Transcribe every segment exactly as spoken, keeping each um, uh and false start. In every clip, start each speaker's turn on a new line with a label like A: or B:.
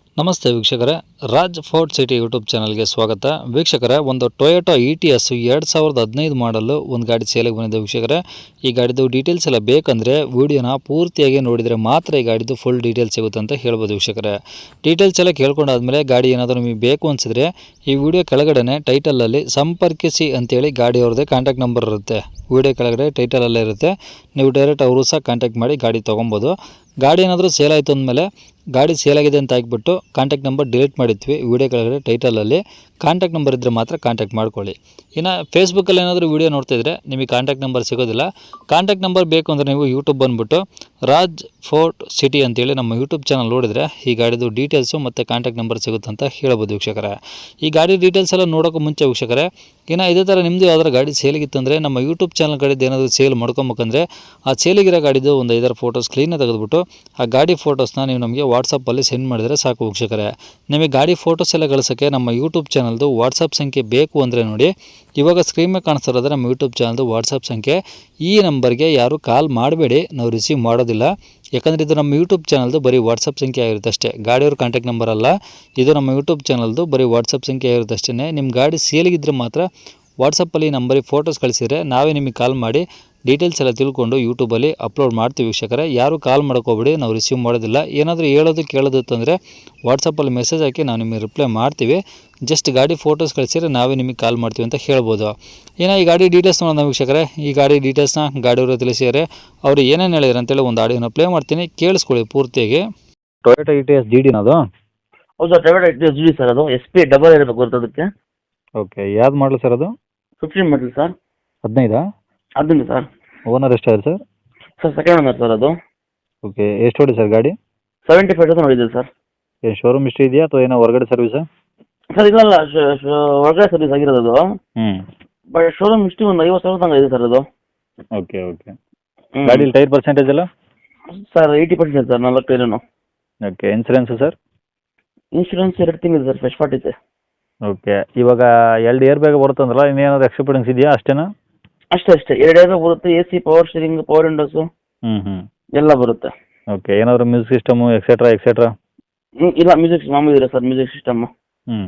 A: ನಮಸ್ತೆ ವೀಕ್ಷಕರೇ, Raj fort city YouTube ಚಾನಲ್ಗೆ ಸ್ವಾಗತ. ವೀಕ್ಷಕರೇ, ಒಂದು ಟೊಯೋಟಾ ಇ ಟಿ ಎಸ್ ಎರಡು ಸಾವಿರದ ಹದಿನೈದು ಮಾಡಲು ಒಂದು ಗಾಡಿ ಸೇಲಿಗೆ ಬಂದಿದೆ. ವೀಕ್ಷಕರೇ, ಈ ಗಾಡಿದು ಡೀಟೇಲ್ಸ್ ಎಲ್ಲ ಬೇಕಂದರೆ ವಿಡಿಯೋನ ಪೂರ್ತಿಯಾಗಿ ನೋಡಿದರೆ ಮಾತ್ರ ಈ ಗಾಡಿದು ಫುಲ್ ಡೀಟೇಲ್ಸ್ ಸಿಗುತ್ತೆ ಅಂತ ಹೇಳ್ಬೋದು. ವೀಕ್ಷಕರೇ, ಡೀಟೇಲ್ಸ್ ಎಲ್ಲ ಕೇಳ್ಕೊಂಡಾದ್ಮೇಲೆ ಗಾಡಿ ಏನಾದರೂ ನಿಮಗೆ ಬೇಕು ಅನಿಸಿದ್ರೆ ಈ ವಿಡಿಯೋ ಕೆಳಗಡೆ ಟೈಟಲಲ್ಲಿ ಸಂಪರ್ಕಿಸಿ ಅಂತೇಳಿ ಗಾಡಿ ಅವ್ರದ್ದೇ ಕಾಂಟ್ಯಾಕ್ಟ್ ನಂಬರ್ ಇರುತ್ತೆ. ವಿಡಿಯೋ ಕೆಳಗಡೆ ಟೈಟಲಲ್ಲೇ ಇರುತ್ತೆ. ನೀವು ಡೈರೆಕ್ಟ್ ಅವರು ಸಹ ಕಾಂಟ್ಯಾಕ್ಟ್ ಮಾಡಿ ಗಾಡಿ ತೊಗೊಬೋದು. ಗಾಡಿ ಏನಾದರೂ ಸೇಲ್ ಆಯಿತು ಅಂದಮೇಲೆ ಗಾಡಿ ಸೇಲ್ ಆಗಿದೆ ಅಂತ ಹಾಕ್ಬಿಟ್ಟು ಕಾಂಟ್ಯಾಕ್ಟ್ ನಂಬರ್ ಡಿಲೀಟ್ ಮಾಡಿದ್ವಿ. ವಿಡಿಯೋ ಕೆಳಗಡೆ ಟೈಟಲಲ್ಲಿ ಕಾಂಟ್ಯಾಕ್ಟ್ ನಂಬರ್ ಇದ್ದರೆ ಮಾತ್ರ ಕಾಂಟ್ಯಾಕ್ಟ್ ಮಾಡ್ಕೊಳ್ಳಿ. ಇನ್ನು ಫೇಸ್ಬುಕ್ಕಲ್ಲಿ ಏನಾದರೂ ವೀಡಿಯೋ ನೋಡ್ತಿದ್ರೆ ನಿಮಗೆ ಕಾಂಟ್ಯಾಕ್ಟ್ ನಂಬರ್ ಸಿಗೋದಿಲ್ಲ. ಕಾಂಟ್ಯಾಕ್ಟ್ ನಂಬರ್ ಬೇಕು ಅಂದರೆ ನೀವು ಯೂಟ್ಯೂಬ್ ಬಂದುಬಿಟ್ಟು ರಾಜ್ ಫೋರ್ಟ್ ಸಿಟಿ ಅಂತೇಳಿ ನಮ್ಮ ಯೂಟ್ಯೂಬ್ ಚಾನಲ್ ನೋಡಿದರೆ ಈ ಗಾಡಿದು ಡೀಟೇಲ್ಸು ಮತ್ತು ಕಾಂಟ್ಯಾಕ್ಟ್ ನಂಬರ್ ಸಿಗುತ್ತೆ ಅಂತ ಹೇಳ್ಬೋದು. ವೀಕ್ಷಕರೇ, ಈ ಗಾಡಿ ಡೀಟೇಲ್ಸ್ ಎಲ್ಲ ನೋಡೋಕ್ಕೂ ಮುಂಚೆ ವೀಕ್ಷಕರೇ, ಇನ್ನು ಇದೇ ಥರ ನಿಮ್ಮದು ಯಾವ್ದಾರು ಗಾಡಿ ಸೇಲಿಗಿತ್ತಂದರೆ ನಮ್ಮ ಯೂಟ್ಯೂಬ್ ಚಾನಲ್ ಕಡೆದು ಏನಾದರೂ ಸೇಲ್ ಮಾಡ್ಕೊಬೇಕಂದ್ರೆ ಆ ಸೇಲಿಗಿರೋ ಗಾಡಿದು ಒಂದು ಐದಾರು ಫೋಟೋಸ್ ಕ್ಲೀನಾಗಿ ತೆಗೆದುಬಿಟ್ಟು ಆ ಗಾಡಿ ಫೋಟೋಸ್ನ ನೀವು ನಮಗೆ ವಾಟ್ಸಪ್ಪಲ್ಲಿ ಸೆಂಡ್ ಮಾಡಿದರೆ ಸಾಕು. ವೀಕ್ಷಕರೇ, ನಿಮಗೆ ಗಾಡಿ ಫೋಟೋಸ್ ಎಲ್ಲ ಕಳಿಸೋಕ್ಕೆ ನಮ್ಮ ಯೂಟ್ಯೂಬ್ ಚಾನಲ್ದು ವಾಟ್ಸಪ್ ಸಂಖ್ಯೆ ಬೇಕು ಅಂದರೆ ನೋಡಿ, ಇವಾಗ ಸ್ಕ್ರೀನ್ ಮೇಲೆ ಕಾಣಿಸ್ತಿರೋದ್ರೆ ನಮ್ಮ ಯೂಟ್ಯೂಬ್ ಚಾನಲ್ದು ವಾಟ್ಸಪ್ ಸಂಖ್ಯೆ. ಈ ನಂಬರ್ಗೆ ಯಾರು ಕಾಲ್ ಮಾಡಬೇಡಿ, ನಾವು ರಿಸೀವ್ ಮಾಡೋದಿಲ್ಲ. ಯಾಕಂದರೆ ಇದು ನಮ್ಮ ಯೂಟ್ಯೂಬ್ ಚಾನಲ್ದು ಬರೀ ವಾಟ್ಸಪ್ ಸಂಖ್ಯೆ ಆಗಿರುತ್ತೆ ಅಷ್ಟೇ, ಗಾಡಿಯವ್ರ ಕಾಂಟ್ಯಾಕ್ಟ್ ನಂಬರ್ ಅಲ್ಲ. ಇದು ನಮ್ಮ ಯೂಟ್ಯೂಬ್ ಚಾನಲ್ದು ಬರೀ ವಾಟ್ಸಪ್ ಸಂಖ್ಯೆ ಆಗಿರುತ್ತೆ ಅಷ್ಟೇ. ನಿಮ್ಮ ಗಾಡಿ ಸೇಲಿಗಿದ್ರೆ ಮಾತ್ರ ವಾಟ್ಸಪ್ಪಲ್ಲಿ ನಂಬರಿಗೆ ಫೋಟೋಸ್ ಕಳಿಸಿದರೆ ನಾವೇ ನಿಮಗೆ ಕಾಲ್ ಮಾಡಿ ಡೀಟೇಲ್ಸ್ ಎಲ್ಲ ತಿಳ್ಕೊಂಡು ಯೂಟ್ಯೂಬಲ್ಲಿ ಅಪ್ಲೋಡ್ ಮಾಡ್ತೀವಿ. ವೀಕ್ಷಕರೇ, ಯಾರು ಕಾಲ್ ಮಾಡ್ಕೋಬೇಡಿ, ನಾವು ರಿಸೀವ್ ಮಾಡೋದಿಲ್ಲ. ಏನಾದರೂ ಹೇಳೋದು ಕೇಳೋದು ಅಂತಂದರೆ ವಾಟ್ಸಪ್ಪಲ್ಲಿ ಮೆಸೇಜ್ ಹಾಕಿ ನಾವು ನಿಮಗೆ ರಿಪ್ಲೈ ಮಾಡ್ತೀವಿ. ಜಸ್ಟ್ ಗಾಡಿ ಫೋಟೋಸ್ ಕಳಿಸಿದ್ರೆ ನಾವೇ ನಿಮಗೆ ಕಾಲ್ ಮಾಡ್ತೀವಿ ಅಂತ ಹೇಳ್ಬೋದು. ಇನ್ನು ಈ ಗಾಡಿ ಡೀಟೇಲ್ಸ್ ನೋಡೋಣ ವೀಕ್ಷಕರೇ. ಈ ಗಾಡಿ ಡೀಟೇಲ್ಸ್ನ ಗಾಡಿಯವರು ತಿಳಿಸಿದರೆ ಅವರು ಏನೇನು ಹೇಳಿದ್ರು ಅಂತೇಳಿ ಒಂದು ಆಡಿಯೋನ ಪ್ಲೇ ಮಾಡ್ತೀನಿ, ಕೇಳಿಸ್ಕೊಳ್ಳಿ ಪೂರ್ತಿಯಾಗಿ. Toyota E T S G ಡಿನ ಅದು?
B: ಹೌದು sir, Toyota E T S G D sir. ಅದು ಎಸ್ ಪಿ ಡಬಲ್ ಇರಬೇಕು ಬರ್ತದಕ್ಕೆ.
A: ಓಕೆ, ಯಾವ್ದು ಮಾಡಲು ಸರ್ ಅದು?
B: Fifteen model sir.
A: ಹದಿನೈದಾ?
B: ಹದಿನೈದು ಸರ್.
A: ಓನರ್ ಎಷ್ಟಾಗಿದೆ sir?
B: Sir second owner sir ಅದು.
A: ಓಕೆ, ಎಷ್ಟು ಹೊಡಿ ಸರ್ ಗಾಡಿ?
B: ಸೆವೆಂಟಿ ಫೈವ್ ತೌಸಂಡ್ ಹೊಡಿದೆ ಸರ್.
A: ಏನು ಶೋರೂಮ್ ಇಷ್ಟು ಇದೆಯಾ ಅಥವಾ ಏನೋ ಹೊರಗಡೆ ಸರ್ವಿಸಾ?
B: ಸರ್ ಇಲ್ಲ, ಹೊರಗಡೆ ಸರ್ವಿಸ್ ಆಗಿರೋದು ಅದು.
A: ಹ್ಞೂ.
B: ಬಟ್ ಶೋರೂಮ್ ಇಷ್ಟು ಒಂದು ಐವತ್ತು ಸಾವಿರ ತನಕ ಇದೆ ಸರ್ ಅದು.
A: Okay okay. ಗಾಡೀಲಿ ಟೈರ್ ಪರ್ಸೆಂಟೇಜ್ ಎಲ್ಲ?
B: ಸರ್ ಏಯ್ಟಿ ಪರ್ಸೆಂಟ್ ಸರ್, ನಾಲ್ಕು ಟೈರನು.
A: Okay, insurance sir?
B: ಇನ್ಶೂರೆನ್ಸ್ ಎರಡು ತಿಂಗಳು ಸರ್, ಫ್ರೆಶ್ ಪಾರ್ಟ್ ಇದೆ.
A: ಓಕೆ, ಇವಾಗ ಎರಡು ಇಯರ್ ಬೇಗ ಬರುತ್ತಂದ್ರಲ್ಲ, ಇನ್ನೇನಾದ್ರು ಎಕ್ಸ್ಟ್ರಾ ಫಿಟ್ಟಿಂಗ್ಸ್ ಇದೆಯಾ ಅಷ್ಟೇನಾ?
B: ಅಷ್ಟೇ ಅಷ್ಟೇ, ಎರಡು ಇಯರ್ ಬರುತ್ತೆ. A C, power steering, power windows
A: ಹ್ಞೂ ಹ್ಞೂ
B: ಎಲ್ಲ ಬರುತ್ತೆ.
A: ಓಕೆ, ಏನಾದರೂ ಮ್ಯೂಸಿಕ್ ಸಿಸ್ಟಮು ಎಕ್ಸೆಟ್ರಾ ಎಕ್ಸೆಟ್ರಾ?
B: ಇಲ್ಲ, ಮ್ಯೂಸಿಕ್ ಮಾಮೂಲಿ ಇದೆ ಸರ್, ಮ್ಯೂಸಿಕ್ ಸಿಸ್ಟಮ್.
A: ಹ್ಞೂ.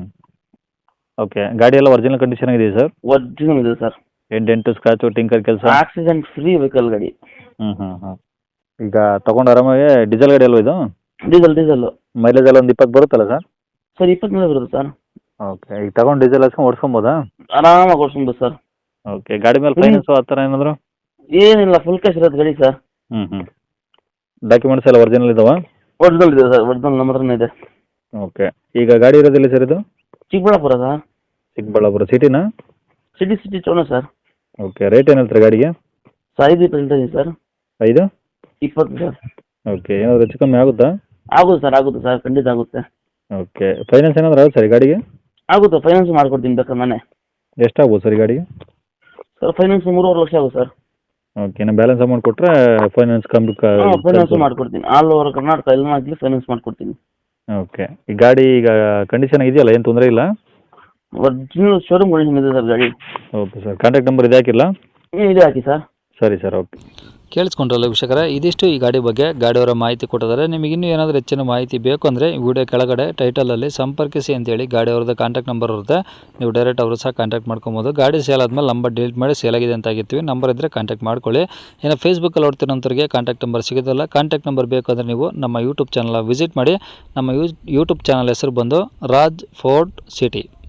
A: ಓಕೆ, ಗಾಡಿ ಎಲ್ಲ ಒರಿಜಿನಲ್ ಕಂಡೀಷನ್ ಆಗಿದೆ ಸರ್?
B: ಒರಿಜಿನಲ್ ಇದೆ ಸರ್.
A: ಏನು ಡೆಂಟು ಸ್ಕ್ರಾಚು ಟಿಂಕರ್ ಕೆಲಸ?
B: ಆಕ್ಸಿಡೆಂಟ್ ಫ್ರೀ ವೆಹಿಕಲ್ ಗಾಡಿ.
A: ಹ್ಞೂ ಹ್ಞೂ ಹ್ಞೂ. ಈಗ ತೊಗೊಂಡು ಆರಾಮಾಗಿ ಡೀಸೆಲ್ ಗಾಡಿ ಅಲ್ವ ಇದು?
B: Diesel diesel.
A: ಮೈಲೇಜ್ ಎಲ್ಲ ಒಂದು ಇಪ್ಪತ್ತು ಬರುತ್ತಲ್ಲ ಸರ್?
B: ಸರ್ ಇಪ್ಪತ್ತು ಮೇಲೆ ಬರುತ್ತೆ ಸರ್.
A: ಓಕೆ, ಈಗ ತಗೊಂಡು ಡೀಸೆಲ್ ಹಾಕ್ಸ್ಕೊಂಡು ಓಡಿಸ್ಕೊಬೋದಾ?
B: ಆರಾಮಾಗಿ ಓಡಿಸ್ಬೋದು ಸರ್.
A: ಓಕೆ, ಗಾಡಿ ಮೇಲೆ ಫೈನಾನ್ಸು ಆ ಥರ ಏನಾದರೂ?
B: ಏನಿಲ್ಲ, ಫುಲ್ ಕ್ಯಾಶ್ ಇರೋದು ಗಾಡಿ ಸರ್.
A: ಹ್ಞೂ ಹ್ಞೂ. ಡಾಕ್ಯುಮೆಂಟ್ಸ್ ಎಲ್ಲ ಒರಿಜಿನಲ್ ಇದಾವಾ?
B: ಒರಿಜಿನಲ್ ಇದೆ ಸರ್, ಒರಿಜಿನಲ್ ನಮ್ಮ ಹತ್ರನೇ ಇದೆ.
A: ಓಕೆ, ಈಗ ಗಾಡಿ ಇರೋದಿಲ್ಲ ಸರ್ ಇದು?
B: ಚಿಕ್ಕಬಳ್ಳಾಪುರ ಸರ್.
A: ಚಿಕ್ಕಬಳ್ಳಾಪುರ ಸಿಟಿನಾ?
B: ಸಿಟಿ ಸಿಟಿ ಚೋಣ ಸರ್.
A: ಓಕೆ, ರೇಟ್ ಏನು ಹೇಳ್ತಾರೆ ಗಾಡಿಗೆ?
B: ಸರ್ ಐದು ಇಪ್ಪತ್ತು ಹೇಳ್ತಾ ಇದ್ದೀನಿ ಸರ್.
A: ಐದು
B: ಇಪ್ಪತ್ತು ಸರ್.
A: ಓಕೆ, ಏನಾದರೂ ಹೆಚ್ಚು ಕಮ್ಮಿ ಆಗುತ್ತಾ?
B: ಆಗುತ್ತೆ ಸರ್, ಆಗುತ್ತೆ ಸರ್, ಖಂಡಿತ ಆಗುತ್ತೆ.
A: ಓಕೆ, ಫೈನಾನ್ಸ್ ಏನಾದರೂ ಆಗುತ್ತೆ ಸರ್ ಈ ಗಾಡಿಗೆ?
B: ಆಗುತ್ತೆ, ಫೈನಾನ್ಸ್ ಮಾಡ್ಕೊಡ್ತೀನಿ ಬೇಕಾದ್ರೆ ನಾನೇ.
A: ಎಷ್ಟಾಗ್ಬೋದು ಸರ್ ಈ ಗಾಡಿಗೆ?
B: ಸರ್ ಫೈನಾನ್ಸ್ ಮೂರುವರೆ ಲಕ್ಷ ಆಗುತ್ತೆ ಸರ್.
A: ಓಕೆ, ಇನ್ನು ಬ್ಯಾಲೆನ್ಸ್ ಅಮೌಂಟ್ ಕೊಟ್ಟರೆ ಫೈನಾನ್ಸ್ ಕಮ್ಮಿ?
B: ಹಾಂ, ಫೈನಾನ್ಸ್ ಮಾಡ್ಕೊಡ್ತೀನಿ. ಆಲ್ ಓವರ್ ಕರ್ನಾಟಕ ಎಲ್ಲ ಆಗಲಿ ಫೈನಾನ್ಸ್ ಮಾಡ್ಕೊಡ್ತೀನಿ.
A: ಓಕೆ, ಈ ಗಾಡಿ ಈಗ ಕಂಡೀಷನ್ ಇದೆಯಲ್ಲ, ಏನು ತೊಂದರೆ ಇಲ್ಲ?
B: ಒರಿಜಿನಲ್ ಶೋರೂಮ್ ಕಂಡೀಷನ್ ಇದೆ ಸರ್ ಗಾಡಿ.
A: ಓಕೆ ಸರ್, ಕಾಂಟ್ಯಾಕ್ಟ್ ನಂಬರ್ ಇದೆ ಹಾಕಿಲ್ಲ?
B: ಹ್ಞೂ, ಇದೆ ಹಾಕಿ ಸರ್.
A: ಸರಿ ಸರ್, ಓಕೆ. ಕೇಳಿಸ್ಕೊಂಡ್ರಲ್ಲ ವೀಕ್ಷಕರೇ, ಇದಿಷ್ಟು ಈ ಗಾಡಿ ಬಗ್ಗೆ ಗಾಡಿಯವರ ಮಾಹಿತಿ ಕೊಟ್ಟಿದ್ದಾರೆ. ನಿಮಗೆ ಇನ್ನೂ ಏನಾದರೂ ಹೆಚ್ಚಿನ ಮಾಹಿತಿ ಬೇಕು ಅಂದರೆ ವಿಡಿಯೋ ಕೆಳಗಡೆ ಟೈಟಲಲ್ಲಿ ಸಂಪರ್ಕಿಸಿ ಅಂತೇಳಿ ಗಾಡಿಯವ್ರದ್ದು ಕಾಂಟ್ಯಾಕ್ಟ್ ನಂಬರ್ ಇರುತ್ತೆ. ನೀವು ಡೈರೆಕ್ಟ್ ಅವರು ಸಹ ಕಾಂಟ್ಯಾಕ್ಟ್ ಮಾಡ್ಕೊಬೋದು. ಗಾಡಿ ಸೇಲ್ ಆದಮೇಲೆ ನಂಬರ್ ಡಿಲೀಟ್ ಮಾಡಿ ಸೇಲ್ ಆಗಿದೆ ಅಂತ ಆಗಿರ್ತೀವಿ. ನಂಬರ್ ಇದ್ದರೆ ಕಾಂಟ್ಯಾಕ್ಟ್ ಮಾಡ್ಕೊಳ್ಳಿ. ಇನ್ನು ಫೇಸ್ಬುಕ್ಕಲ್ಲಿ ನೋಡ್ತಿರೋಂಥವ್ರಿಗೆ ಕಾಂಟ್ಯಾಕ್ಟ್ ನಂಬರ್ ಸಿಗೋದಿಲ್ಲ. ಕಾಂಟ್ಯಾಕ್ಟ್ ನಂಬರ್ ಬೇಕು ಅಂದರೆ ನೀವು ನಮ್ಮ ಯೂಟ್ಯೂಬ್ ಚಾನಲ್ ವಿಸಿಟ್ ಮಾಡಿ. ನಮ್ಮ ಯೂಟ್ಯೂಬ್ ಚಾನಲ್ ಹೆಸರು ಬಂದು ರಾಜ್ ಫೋರ್ಟ್ ಸಿಟಿ.